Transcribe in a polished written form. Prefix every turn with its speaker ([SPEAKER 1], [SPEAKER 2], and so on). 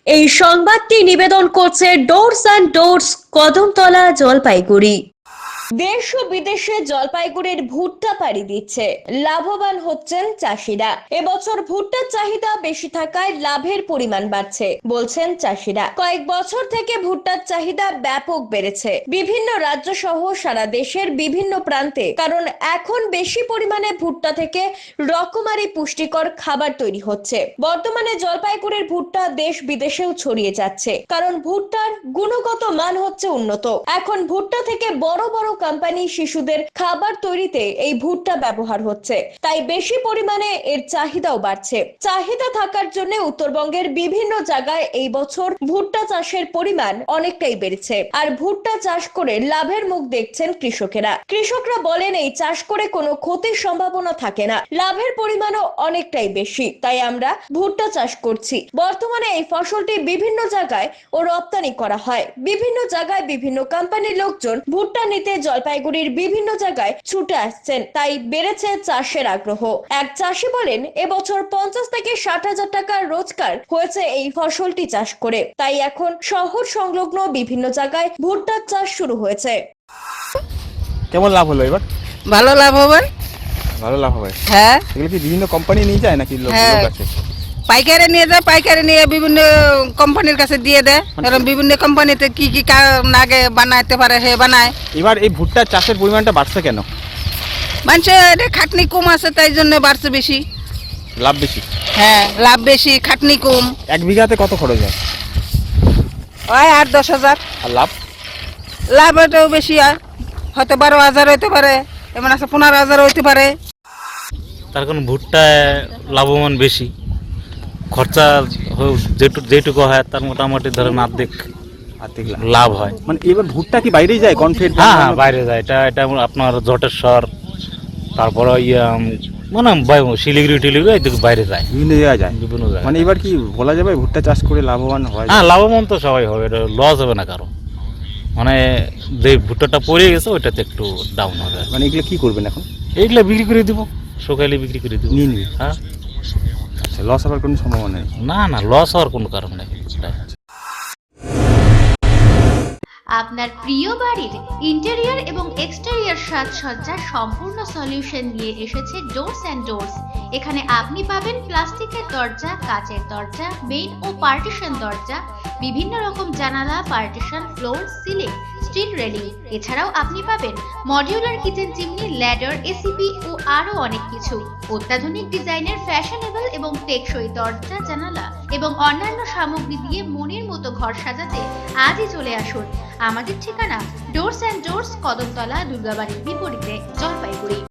[SPEAKER 1] এই সংবাদটি নিবেদন করছে Doors and Doors, Kadamtala, Jalpaiguri. দেশ ও বিদেশে জলপাইগুড়ির ভুট্টা পাড়ি দিচ্ছে, লাভবান হচ্ছেন চাষিরা। এবছর ভুট্টার চাহিদা বেশি থাকায় লাভের পরিমাণ বাড়ছে বলছেন চাষিরা। কয়েক বছর থেকে ভুট্টার চাহিদা ব্যাপক বেড়েছে বিভিন্ন রাজ্য সহ সারা দেশের বিভিন্ন প্রান্তে, কারণ এখন বেশি পরিমাণে ভুট্টা থেকে রকমারি পুষ্টিকর খাবার তৈরি হচ্ছে। বর্তমানে জলপাইগুড়ির ভুট্টা দেশ বিদেশেও ছড়িয়ে যাচ্ছে, কারণ ভুট্টার গুণগত মান হচ্ছে উন্নত। এখন ভুট্টা থেকে বড় বড় কোম্পানি শিশুদের খাবার তৈরিতে এই ভুট্টা ব্যবহার হচ্ছে, তাই বেশি পরিমাণে এর চাহিদাও বাড়ছে। চাহিদা থাকার জন্য উত্তরবঙ্গের বিভিন্ন জায়গায় এই বছর ভুট্টা চাষের পরিমাণ অনেকটাই বেড়েছে। আর ভুট্টা চাষ করে লাভের মুখ দেখছেন কৃষকরা বলেন, এই চাষ করে কোনো ক্ষতির সম্ভাবনা থাকে না, লাভের পরিমাণও অনেকটাই বেশি, তাই আমরা ভুট্টা চাষ করছি। বর্তমানে এই ফসলটি বিভিন্ন জায়গায় ও রপ্তানি করা হয়, বিভিন্ন জায়গায় বিভিন্ন কোম্পানির লোকজন ভুট্টা নিতে জলপাইগুড়ির বিভিন্ন জায়গায় ছুটে আসছেন, তাই বেড়েছে চাষের আগ্রহ। এক চাষি বলেন, এবছর 50 থেকে 60,000 টাকার রোজগার হয়েছে এই ফসলটি চাষ করে, তাই এখন শহর সংলগ্ন বিভিন্ন জায়গায় ভুট্টার চাষ শুরু হয়েছে।
[SPEAKER 2] কেমন লাভ হলো এবার?
[SPEAKER 3] ভালো লাভ হবে।
[SPEAKER 2] ভালো লাভ হবে।
[SPEAKER 3] হ্যাঁ,
[SPEAKER 2] এগুলো কি বিভিন্ন কোম্পানি নিয়ে যায় নাকি লোক আছে?
[SPEAKER 3] পাইকারে নিয়ে যায়, পাইকারে নিয়ে বিভিন্ন কোম্পানির কাছে দিয়ে দেয়। কারণ বিভিন্ন কোম্পানিতে কি কি আগে বানাইতে পারে সে বানায়।
[SPEAKER 2] এবার এই ভুট্টা চাষের পরিমাণটা বাড়ছে কেন?
[SPEAKER 3] মানুষের খাটনি কম আছে, তাই জন্য বাড়ছে বেশি।
[SPEAKER 2] লাভ বেশি?
[SPEAKER 3] হ্যাঁ, লাভ বেশি, খাটনি কম।
[SPEAKER 2] এক বিঘাতে কত খরচ হয়?
[SPEAKER 3] ওই 8-10 হাজার।
[SPEAKER 2] আর লাভ?
[SPEAKER 3] লাভ এটাও বেশি, আর হয়তো 12,000 হইতে পারে, এমন আছে 15,000 হইতে পারে।
[SPEAKER 4] তার কারণ ভুট্টায় লাভবান বেশি, খরচা যেটুকু হয় তার মোটামুটি ধরেন অর্ধেক লাভ হয়।
[SPEAKER 2] মানে এবার ভুট্টা কি বাইরেই যায়? কনফিড?
[SPEAKER 4] হ্যাঁ, বাইরে যায়। এটা আপনার জটেশ্বর, তারপরে মানে শিলিগুড়ি টিলিগুড়ি এদিকে বাইরে যায়,
[SPEAKER 2] বিভিন্ন জায়গায় যায়।
[SPEAKER 4] বিভিন্ন জায়গায়।
[SPEAKER 2] মানে এবার কি বলা যাবে ভুট্টা চাষ করে লাভবান হয়?
[SPEAKER 4] হ্যাঁ, লাভবান তো সবাই হবে, এটা লস হবে না কারো। মানে যে ভুট্টাটা পড়ে গেছে ওইটাতে একটু ডাউন হবে।
[SPEAKER 2] মানে এগুলো কি করবেন এখন?
[SPEAKER 4] এইগুলো বিক্রি করে দিব, সকালে বিক্রি করে দিব।
[SPEAKER 2] নিয়ে নিবি?
[SPEAKER 4] হ্যাঁ।
[SPEAKER 2] আচ্ছা, লস হওয়ার কোনো সম্ভাবনা নেই?
[SPEAKER 4] না, লস হওয়ার কোনো কারণ নেই।
[SPEAKER 5] আপনার প্রিয় বাড়ির ইন্টেরিয়র এবং এক্সটেরিয়র সাজসজ্জার সম্পূর্ণ সলিউশন নিয়ে এসেছে ডোরস অ্যান্ড ডোরস। এখানে আপনি পাবেন প্লাস্টিকের দরজা, কাচের দরজা, মেইন ও পার্টিশন দরজা, বিভিন্ন রকম জানালা, partition, floor, ceiling, steel railing. এছাড়াও আপনি পাবেন modular kitchen chimney, ladder, ACP ও আরো অনেক কিছু। অত্যাধুনিক ডিজাইনের ফ্যাশনেবল এবং টেকসই দরজা, জানালা এবং অন্যান্য সামগ্রী দিয়ে মনের মতো ঘর সাজাতে আজই চলে আসুন। আমাদের ঠিকানা ডোরস অ্যান্ড ডোরস, কদমতলা, দুর্গাবাড়ির বিপরীতে, জলপাইগুড়ি।